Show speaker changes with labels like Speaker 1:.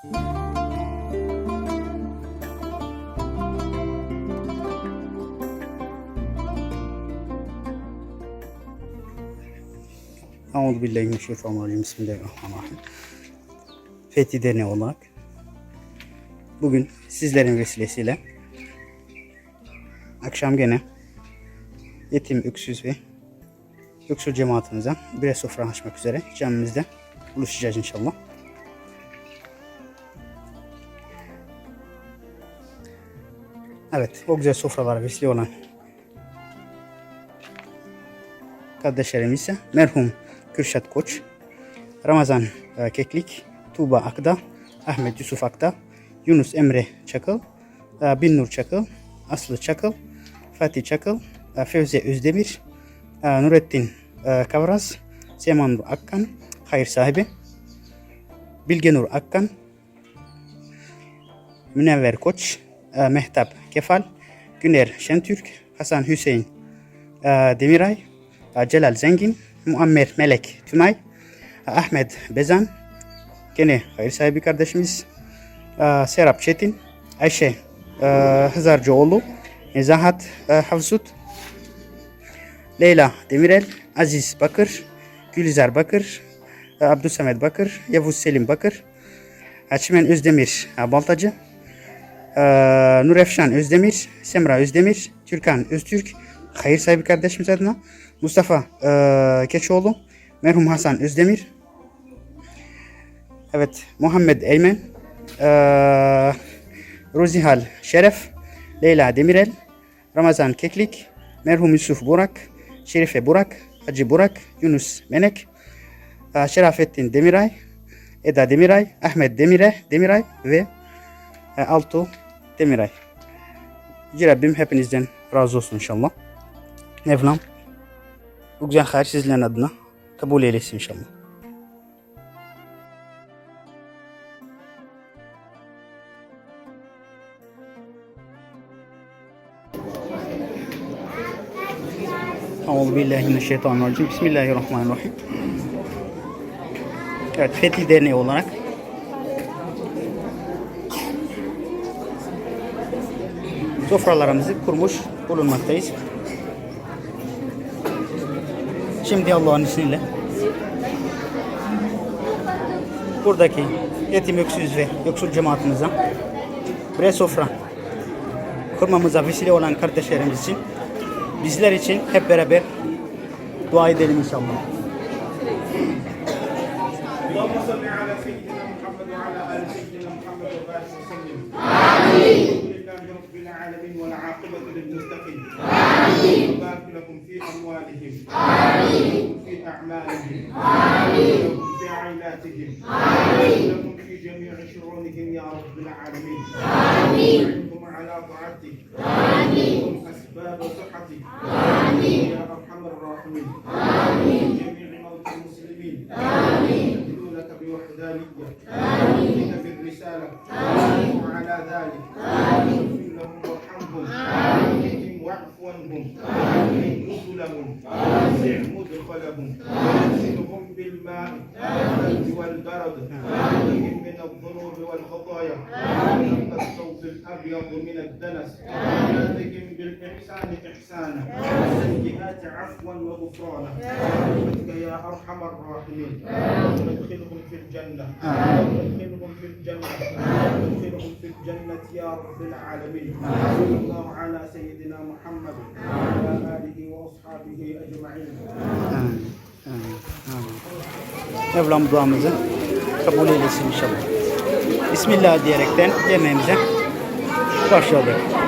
Speaker 1: Euzubillahimineşşeytanirracim. Bismillahirrahmanirrahim. Fethi Derneği olarak bugün sizlerin vesilesiyle akşam gene yetim, öksüz ve yoksul cemaatimize birer sofra açmak üzere camimizde buluşacağız inşallah. Evet, o güzel sofralara vesile olan kardeşlerimiz ise merhum Kürşat Koç, Ramazan Keklik, Tuğba Akda, Ahmet Yusuf Akda, Yunus Emre Çakıl, Binnur Çakıl, Aslı Çakıl, Fatih Çakıl, Fevzi Özdemir, Nurettin Kavraz, Seman Nur Akkan, Hayır Sahibi, Bilgenur Akkan, Münevver Koç, Mehtap Kefal, Güner Şentürk, Hasan Hüseyin Demiray, Celal Zengin, Muammer Melek Tümay, Ahmet Bezan, gene hayır sahibi kardeşimiz, Serap Çetin, Ayşe Hızarcıoğlu, Nezahat Havsut, Leyla Demirel, Aziz Bakır, Gülizar Bakır, Abdülsamet Bakır, Yavuz Selim Bakır, Çimen Özdemir Baltacı, Nurefşan Özdemir, Semra Özdemir, Türkan Öztürk, hayır sahibi kardeşimiz adına, Mustafa Keçoğlu, merhum Hasan Özdemir, evet Muhammed Eymen, Rozihal Şeref, Leyla Demirel, Ramazan Keklik, merhum Yusuf Burak, Şerife Burak, Hacı Burak, Yunus Menek, Şerafettin Demiray, Eda Demiray, Ahmet Demiray ve Altu Demiray. Yüce Rabbim hepinizden razı olsun inşallah. Mevlam bu güzel hayır sizlerin adına kabul eylesin inşallah. Euzubillahimineşşeytanirracim. Bismillahirrahmanirrahim. Evet, Fethi Derneği olarak sofralarımızı kurmuş bulunmaktayız. Şimdi Allah'ın izniyle buradaki yetim, öksüz ve yoksul cemaatimize birer sofra kurmamıza vesile olan kardeşlerimiz için, bizler için hep beraber dua edelim inşallah.
Speaker 2: العالمين والعاقبة للمتقين. آمين. وبارك لكم في أموالهم. آمين. في أعمالهم. آمين. لكم في عائلاتهم. آمين. لكم في جميع شؤونهم يا رب العالمين. آمين. وعنكم على طاعتك. آمين. أسباب صحتك. آمين. يا أرحم الراحمين. آمين. جميع موتى المسلمين. آمين. يدعونك بوحدانية. آمين. بالرسالة. آمين. وعلى ذلك. آمين. آمين. واعف عنهم. آمين. نزلهم. وسع مدخلهم. واغسلهم بالماء والبرد. آمين. من الذنوب والخطايا. آمين. الثوب الأبيض من الدنس. آمين. بالإحسان إحسانا. والسيئات عفوا وغفرانا. برحمتك يا أرحم الراحمين. وادخلهم في الجنة. وادخلهم في الجنة. وادخلهم في الجنة يا رب العالمين. صلى الله على سيدنا محمد وعلى آله وأصحابه أجمعين.
Speaker 1: Mevlam duamızı kabul eylesin inşallah. Bismillah diyerekten yemeğimize başladık.